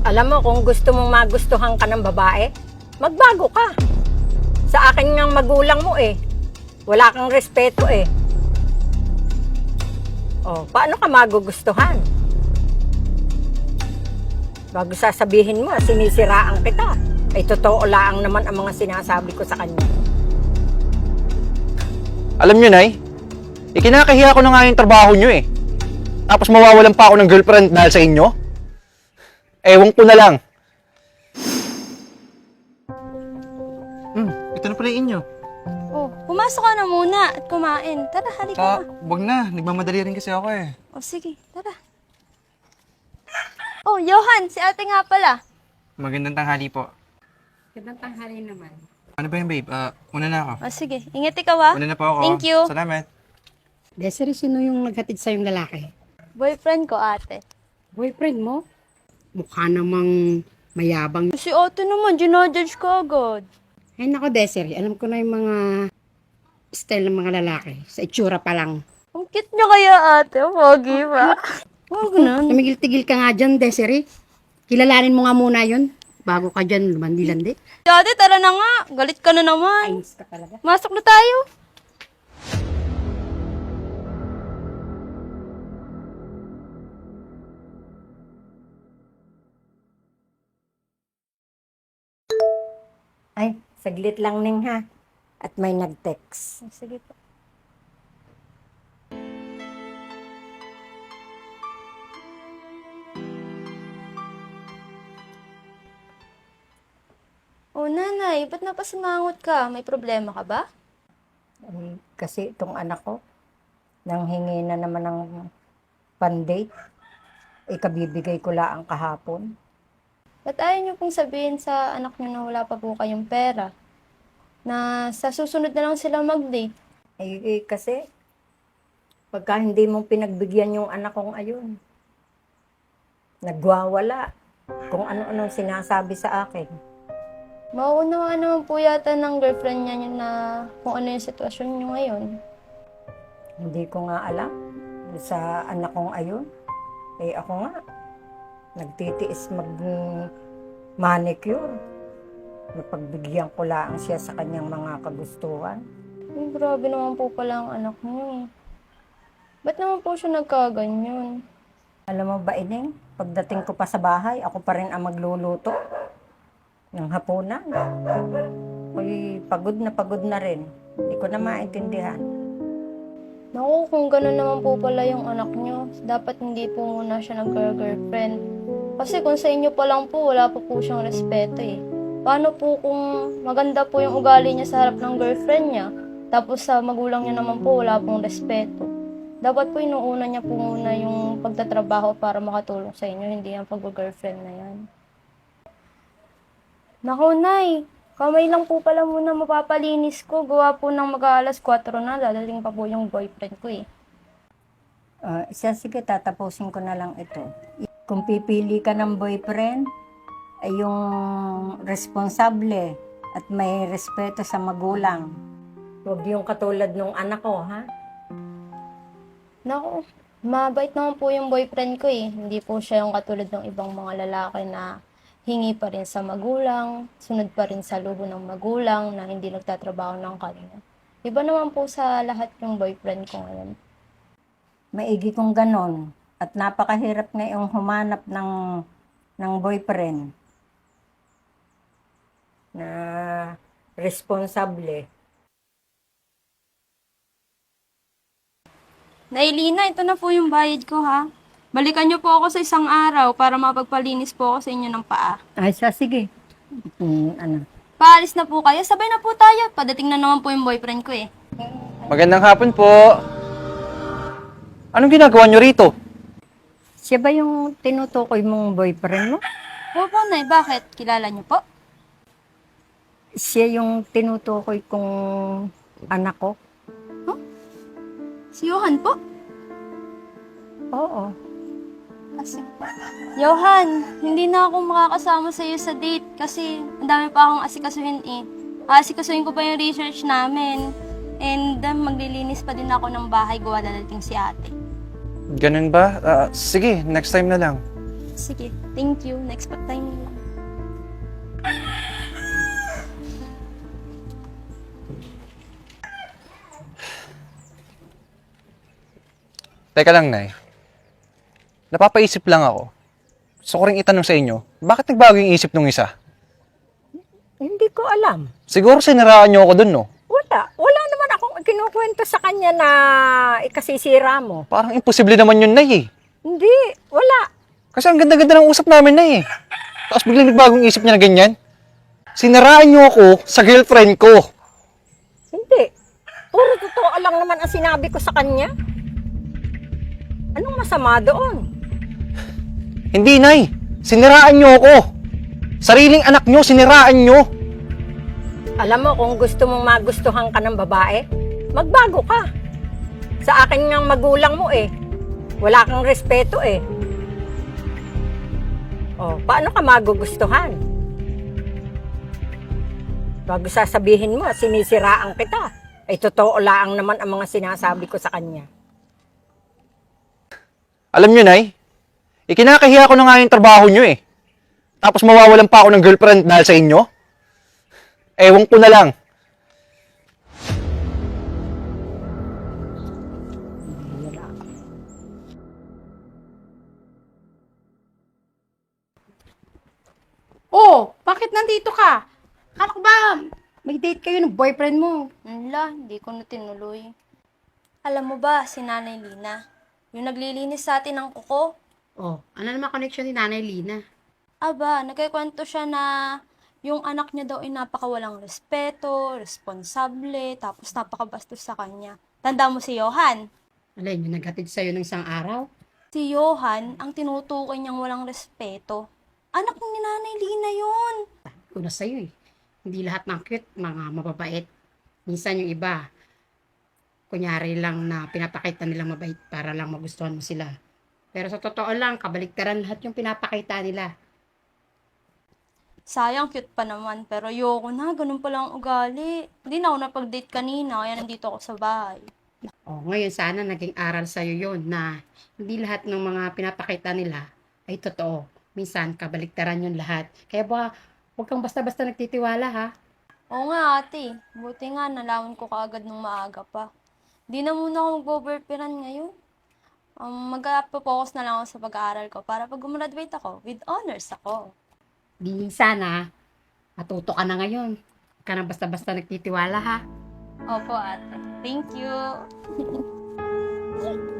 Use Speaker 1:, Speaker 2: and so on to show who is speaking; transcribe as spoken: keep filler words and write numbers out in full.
Speaker 1: Alam mo, kung gusto mong magustuhan ka ng babae, magbago ka. Sa akin ngang magulang mo eh. Wala kang respeto eh. Oh, paano ka magugustuhan? Bago sasabihin mo, sinisiraan kita. Ay totoo lang naman ang mga sinasabi ko sa kanya.
Speaker 2: Alam nyo, Nay, ikinakahiya ko na nga yung trabaho nyo eh. Tapos mawawalan pa ako ng girlfriend dahil sa inyo? Ewan ko na lang.
Speaker 3: Hmm, ito na pala yung inyo.
Speaker 4: Oh, pumasok ka na muna at kumain. Tara, halika
Speaker 3: Ah,
Speaker 4: na.
Speaker 3: wag na. Nagmamadali rin kasi ako eh.
Speaker 4: Oh, sige, tara. Oh, Johan, si ate nga pala.
Speaker 3: Magandang tanghali po.
Speaker 1: Gandang tanghali naman.
Speaker 3: Ano ba yung babe? Ah, una na ako.
Speaker 4: Oh, sige, ingat ikaw ha.
Speaker 3: Una na po ako.
Speaker 4: Thank you.
Speaker 3: Salamat.
Speaker 5: Desiree, sino yung naghatid sa yung lalaki?
Speaker 4: Boyfriend ko, ate.
Speaker 5: Boyfriend mo? Mukha namang mayabang.
Speaker 4: Si ate naman, ginodjudge ko agad.
Speaker 5: Ay nako, Desiree, alam ko na yung mga style ng mga lalaki. Sa itsura pa lang.
Speaker 4: Ang cute niya kaya, ate. Pogi ba? Huwag na.
Speaker 5: Tumigil-tigil ka nga dyan, Desiree. Kilalanin mo nga muna yun. Bago ka dyan, lumandi-landi.
Speaker 4: Ate, tara na nga. Galit ka na naman.
Speaker 5: Ayos ka talaga.
Speaker 4: Masok na tayo.
Speaker 1: Ay, saglit lang ning ha. At may nag-text.
Speaker 4: Sige po. Oh, nanay, ba't napasimangot ka? May problema ka ba?
Speaker 1: Ay, kasi itong anak ko, nanghingi na naman ng pan-date. Ikabibigay ko lang kahapon.
Speaker 4: Ba't ayaw niyo pong sabihin sa anak niyo na wala pa po kayong pera? Na sa susunod na lang sila mag-date?
Speaker 1: Eh, eh, kasi, pagka hindi mo pinagbigyan yung anak kong ayun, nagwawala kung ano-anong sinasabi sa akin.
Speaker 4: Mauunawaan naman po yata ng girlfriend niya yun na kung ano yung sitwasyon niyo ngayon.
Speaker 1: Hindi ko nga alam sa anak kong ayun. Eh ako nga, nagtitiis mag-manicure. Napagbigyan ko lang siya sa kanyang mga kagustuhan.
Speaker 4: Ay, grabe naman po pala ang anak niyo eh. Ba't naman po siya nagkaganyan?
Speaker 1: Alam mo ba, Ining, pagdating ko pa sa bahay, ako pa rin ang magluluto ng hapunan. Uy, pagod na pagod na rin. Hindi ko na maintindihan.
Speaker 4: Naku, kung gano'n naman po pala yung anak niyo, dapat hindi po muna siya nag-girlfriend. Kasi kung sa inyo pa lang po, wala pa po siyang respeto eh. Paano po kung maganda po yung ugali niya sa harap ng girlfriend niya, tapos sa magulang niya naman po, wala pong respeto. Dapat po inuuna niya po muna yung pagtatrabaho para makatulong sa inyo, hindi ang pag-girlfriend na yan. Naku, Nay, kamay lang po pala muna mapapalinis ko. Gawa po ng mag-aalas kwatro na, dadating pa po yung boyfriend ko eh.
Speaker 1: Uh, isa, sige, tatapusin ko na lang ito. Kung pipili ka ng boyfriend, ay yung responsable at may respeto sa magulang. Huwag yung katulad nung anak ko, ha?
Speaker 4: Naku, mabait naman po yung boyfriend ko eh. Hindi po siya yung katulad ng ibang mga lalaki na hingi pa rin sa magulang, sunod pa rin sa luho ng magulang na hindi nagtatrabaho ng kanya. Iba naman po sa lahat yung boyfriend ko ngayon.
Speaker 1: Maigi kong ganon. At napakahirap ngayong humanap ng, ng boyfriend na responsable.
Speaker 4: Nailina, ito na po yung bayad ko ha. Balikan niyo po ako sa isang araw para mapagpalinis po ako sa inyo ng paa.
Speaker 1: Ay, sa sige. Hmm, ano?
Speaker 4: Paalis na po kayo, sabay na po tayo. Padating na naman po yung boyfriend ko eh.
Speaker 2: Magandang hapon po. Anong ginagawa nyo rito?
Speaker 1: Siya ba yung tinutukoy mong boyfriend mo?
Speaker 4: Opo, Nay, bakit? Kilala niyo po?
Speaker 1: Siya yung tinutukoy kong anak ko?
Speaker 4: Si Johan po?
Speaker 1: Oo.
Speaker 4: Kasi, Johan, hindi na ako makakasama sa iyo sa date kasi ang dami pa akong asikasuhin eh. Asikasuhin ko pa yung research namin. And um, maglilinis pa din ako ng bahay gawa dadating si ate.
Speaker 2: Ganun ba? Ah, sige, next time na lang.
Speaker 4: Sige, thank you. Next pa time.
Speaker 2: Teka lang, Nay. Napapaisip lang ako. Gusto ko rin itanong sa inyo, bakit nagbago yung isip nung isa?
Speaker 1: Hindi ko alam.
Speaker 2: Siguro siniraan niyo ako dun, no?
Speaker 1: Wala. Wala naman akong kinukwento sa kanya na ikasisira mo.
Speaker 2: Parang imposible naman yun, Nay, eh.
Speaker 1: Hindi. Wala.
Speaker 2: Kasi ang ganda-ganda ng usap namin, Nay, eh. Tapos biglang nagbagong isip niya na ganyan. Siniraan niyo ako sa girlfriend ko.
Speaker 1: Hindi. Puro totoo lang naman ang sinabi ko sa kanya. Anong masama doon?
Speaker 2: Hindi, Nay. Siniraan niyo ako. Sariling anak niyo, siniraan niyo.
Speaker 1: Alam mo, kung gusto mong magustuhan ka ng babae, magbago ka. Sa akin ngang magulang mo eh. Wala kang respeto eh. Oh, paano ka magugustuhan? Bago sasabihin mo, sinisiraan kita. Ay totoo lang naman ang mga sinasabi ko sa kanya.
Speaker 2: Alam niyo, Nay, ikinakahiya ko na nga yung trabaho niyo, eh. Tapos mawawalan pa ako ng girlfriend dahil sa inyo? Ewan ko na lang.
Speaker 5: Oh, bakit nandito ka? Kala ko ba may date kayo ng boyfriend mo?
Speaker 4: Wala, hindi ko na tinuloy. Alam mo ba, si Nanay Lina, yung naglilinis sa atin ng kuko,
Speaker 5: Oh, ano naman connection ni Nanay Lina?
Speaker 4: aba, nagkikwento siya na yung anak niya daw ay napakawalang respeto, responsable, tapos napakabastos sa kanya. Tanda mo si Johan?
Speaker 5: Alin, yung naghatid sa'yo ng isang araw?
Speaker 4: Si Johan, ang tinutukoy niyang walang respeto. Anak ni Nanay Lina yun.
Speaker 5: Una sa'yo eh. Hindi lahat ng cute, mga mababait. Minsan yung iba, kunyari lang na pinapakita nilang mabait para lang magustuhan mo sila. Pero sa totoo lang, kabaliktaran lahat yung pinapakita nila.
Speaker 4: Sayang, cute pa naman. Pero ayoko na, ganun pala ang ugali. Hindi na ako napag-date kanina, kaya nandito ako sa bahay.
Speaker 5: Oh, ngayon sana naging aral sa'yo yon na hindi lahat ng mga pinapakita nila ay totoo. Minsan, kabaliktaran yun lahat. Kaya ba, huwag kang basta-basta nagtitiwala ha.
Speaker 4: Oo nga ate, buti nga nalaman ko kaagad nung maaga pa. Di na muna ako magbo-boyfriend ngayon. Um, mag-focus na lang ako sa pag-aaral ko para pag gumraduate ako, with honors ako.
Speaker 5: Di sana, matuto ka na ngayon. Huwag ka na basta-basta nagtitiwala ha.
Speaker 4: Opo ate, thank you.